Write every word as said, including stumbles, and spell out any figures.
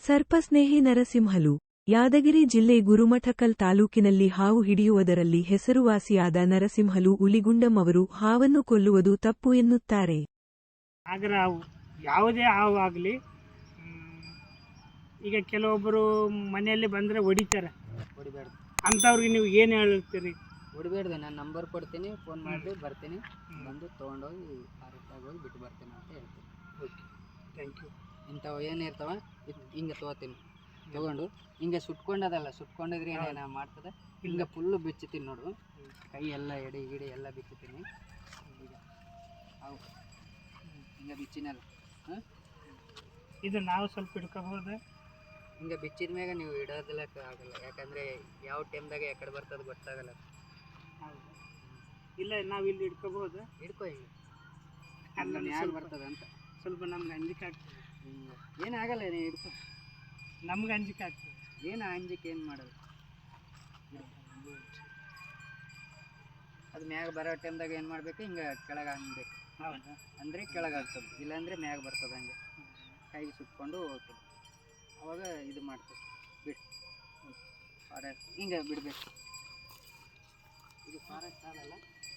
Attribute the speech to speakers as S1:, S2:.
S1: ಸರ್ಪಸ್ನೇಹಿ ನರಸಿಂಹಲು. ಯಾದಗಿರಿ ಜಿಲ್ಲೆ ಗುರುಮಠಕಲ್ ತಾಲೂಕಿನಲ್ಲಿ ಹಾವು ಹಿಡಿಯುವುದರಲ್ಲಿ ಹೆಸರುವಾಸಿಯಾದ ನರಸಿಂಹಲು ಉಲಿಗುಂಡಂ ಅವರು ಹಾವನ್ನು ಕೊಲ್ಲುವುದು ತಪ್ಪು ಎನ್ನುತ್ತಾರೆ.
S2: ಆದರೆ ಯಾವುದೇ ಹಾವು ಆಗಲಿ, ಈಗ ಕೆಲವೊಬ್ಬರು ಮನೆಯಲ್ಲಿ ಬಂದರೆ ಹೊಡಿತಾರೆ,
S3: ಹೊಡಿಬೇಡ್ದು
S2: ಅಂಥವ್ರಿಗೆ ನೀವು ಏನು ಹೇಳ್ತೀರಿ?
S3: ಹೊಡಿಬೇಡ್ದು, ನಾನು ನಂಬರ್ ಕೊಡ್ತೀನಿ, ಫೋನ್ ಮಾಡಿ ಬರ್ತೀನಿ, ಬಂದು ತೊಗೊಂಡೋಗಿ ಫಾರೆಸ್ಟಾಗಿ ಹೋಗಿ ಬಿಟ್ಟು ಬರ್ತೀನಿ ಅಂತ ಹೇಳ್ತೀನಿ.
S2: Okay, thank you.
S3: ಇಂಥವು ಏನು ಇರ್ತಾವ ಹಿಂಗೆ ತೊಗೋತೀನಿ, ತೊಗೊಂಡು ಹಿಂಗೆ ಸುಟ್ಕೊಂಡದಲ್ಲ, ಸುಟ್ಕೊಂಡಿದ್ರೆ ಏನೇನು ಮಾಡ್ತದೆ, ಹಿಂಗೆ ಫುಲ್ಲು ಬಿಚ್ಚುತ್ತೀನಿ ನೋಡು, ಕೈ ಎಲ್ಲ ಎಡೆ ಗಿಡಿ ಎಲ್ಲ ಬಿಚ್ಚುತ್ತೀನಿ. ಈಗ ಅವು ಹಿಂಗೆ ಬಿಚ್ಚಿನಲ್ಲ, ಹಾಂ
S2: ಇದು ನಾವು ಸ್ವಲ್ಪ ಹಿಡ್ಕೋಬೋದು.
S3: ಹಿಂಗೆ ಬಿಚ್ಚಿದ ಮ್ಯಾಗ ನೀವು ಇಡೋದಿಲ್ಲಕ್ಕೆ ಆಗಲ್ಲ, ಯಾಕಂದರೆ ಯಾವ ಟೈಮ್ದಾಗ ಯಾಕಡೆ ಬರ್ತದೆ ಗೊತ್ತಾಗಲ್ಲ.
S2: ಹೌದು, ಇಲ್ಲ ನಾವು ಇಲ್ಲಿ ಹಿಡ್ಕೋಬೋದು.
S3: ಹಿಡ್ಕೊ ಹಿಂಗೆ
S2: ಅಲ್ಲ,
S3: ಮ್ಯಾಗ
S2: ಸ್ವಲ್ಪ
S3: ಬರ್ತದೆ ಅಂತ.
S2: ಸ್ವಲ್ಪ ನಮ್ಗೆ ಅಂಜಿಕೆ ಆಗ್ತದೆ.
S3: ಹಿಂಗೆ ಏನಾಗಲ್ಲ, ನೀವು ಹಿಡ್ಕೊ,
S2: ನಮ್ಗೆ ಅಂಜಿಕೆ ಆಗ್ತದೆ.
S3: ಏನು ಅಂಜಿಕೆ ಏನು ಮಾಡಲ್ಲ. ಅದು ಮ್ಯಾಗ ಬರೋ ಟೈಮ್ದಾಗ ಏನು ಮಾಡಬೇಕು, ಹಿಂಗೆ ಕೆಳಗೆ ಹಾಕ್ಬೇಕು.
S2: ಹೌದಾ?
S3: ಅಂದರೆ ಕೆಳಗೆ ಆಗ್ತದೆ, ಇಲ್ಲಾಂದರೆ ಮ್ಯಾಗ ಬರ್ತದೆ. ಹಂಗೆ ಕೈಗೆ ಸುಟ್ಕೊಂಡು ಹೋಗ್ತದೆ, ಅವಾಗ ಇದು ಮಾಡ್ತದೆ. ಬಿಡು, ಫಾರೆಸ್ಟ್ ಹಿಂಗೆ ಬಿಡಬೇಕು. ಇದು ಫಾರೆಸ್ಟ್ ಆಗಲ್ಲ.